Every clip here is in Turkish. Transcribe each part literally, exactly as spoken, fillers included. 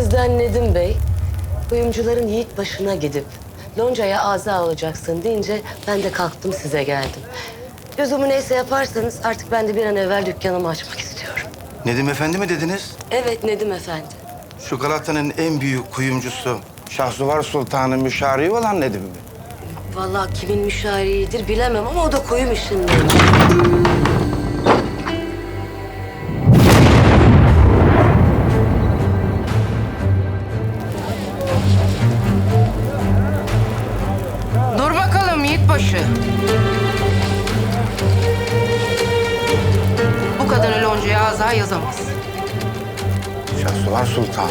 Elinizden Nedim Bey, kuyumcuların Yiğit başına gidip loncaya ağza alacaksın deyince ben de kalktım size geldim. Lüzumu neyse yaparsanız artık ben de bir an evvel dükkanımı açmak istiyorum. Nedim Efendi mi dediniz? Evet Nedim Efendi. Şu Galata'nın en büyük kuyumcusu Şahsuvar Sultan'ın müşaviri olan Nedim mi? Vallahi kimin müşaviridir bilemem ama o da kuyum işindeymiş. Dur bakalım Yiğitbaşı. Bu kadını loncaya ağza yazamaz. Şahsuvar Sultan.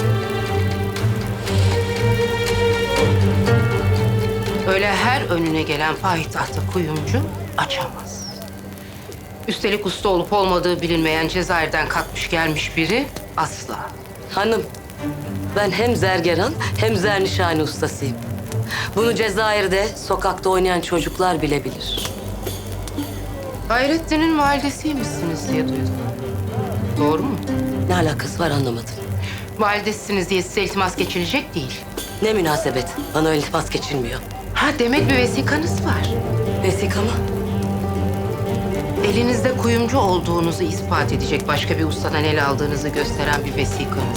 Öyle her önüne gelen payitahta kuyumcu açamaz. Üstelik usta olup olmadığı bilinmeyen Cezayir'den kalkmış gelmiş biri asla. Hanım, ben hem zergeran hem zernişani ustasıyım. Bunu Cezayir'de sokakta oynayan çocuklar bile bilir. Hayrettin'in validesiymişsiniz diye duydum. Doğru mu? Ne alakası var anlamadım. Validesiniz diye size iltimas geçilecek değil. Ne münasebet, bana öyle iltimas geçilmiyor. Ha demek bir vesikanız var. Vesika mı? Elinizde kuyumcu olduğunuzu ispat edecek başka bir ustadan el aldığınızı gösteren bir vesikanız.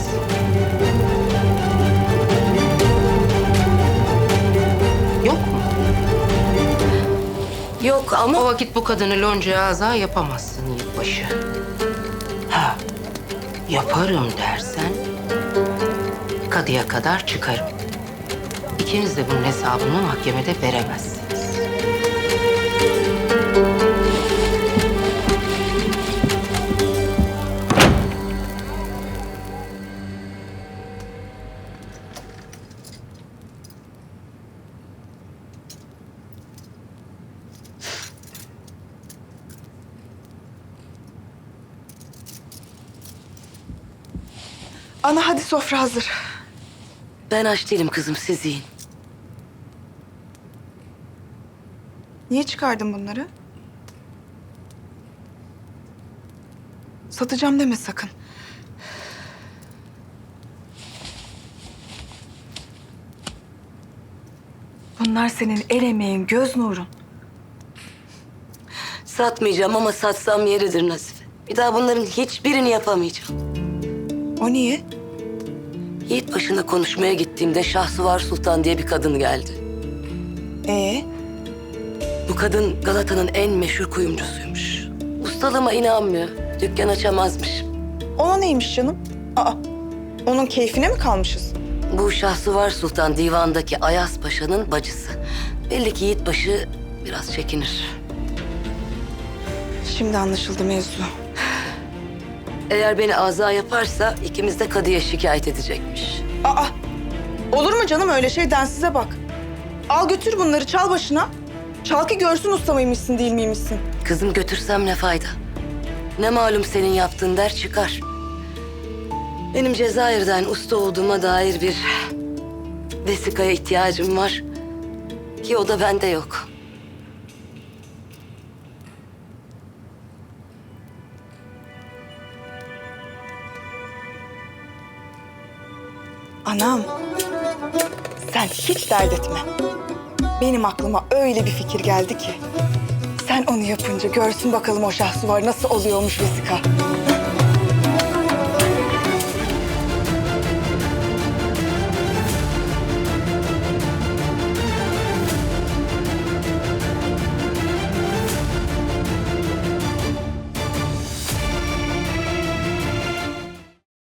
Yok mu? Yok ama... O vakit bu kadını loncaya ağza yapamazsın Yiğitbaşı. Ha, yaparım dersen kadıya kadar çıkarım. İkiniz de bunun hesabını mahkemede veremezsiniz. Ana hadi sofra hazır. Ben aç değilim kızım, siz yiyin. Niye çıkardın bunları? Satacağım deme sakın. Bunlar senin el emeğin, göz nurun. Satmayacağım ama satsam yeridir Nazife. Bir daha bunların hiçbirini yapamayacağım. O niye? Yiğit başına konuşmaya gittiğimde Şahsuvar Sultan diye bir kadın geldi. Ee, Bu kadın Galata'nın en meşhur kuyumcusuymuş. Ustalığıma inanmıyor. Dükkan açamazmış. ona neymiş canım? Aa, onun keyfine mi kalmışız? Bu Şahsuvar Sultan divandaki Ayas Paşa'nın bacısı. Belli ki Yiğitbaşı biraz çekinir. Şimdi anlaşıldı mevzu. Eğer beni aza yaparsa ikimiz de kadıya şikayet edecekmiş. Aa, olur mu canım öyle şey, densize bak. Al götür bunları, çal başına. Çal ki görsün usta mıymışsın değil miymişsin. Kızım götürsem ne fayda? Ne malum senin yaptığın der çıkar. Benim Cezayir'den usta olduğuma dair bir vesikaya ihtiyacım var. Ki o da bende yok. Anam, sen hiç dert etme. Benim aklıma öyle bir fikir geldi ki. Sen onu yapınca görsün bakalım o Şahsuvar nasıl oluyormuş vesika.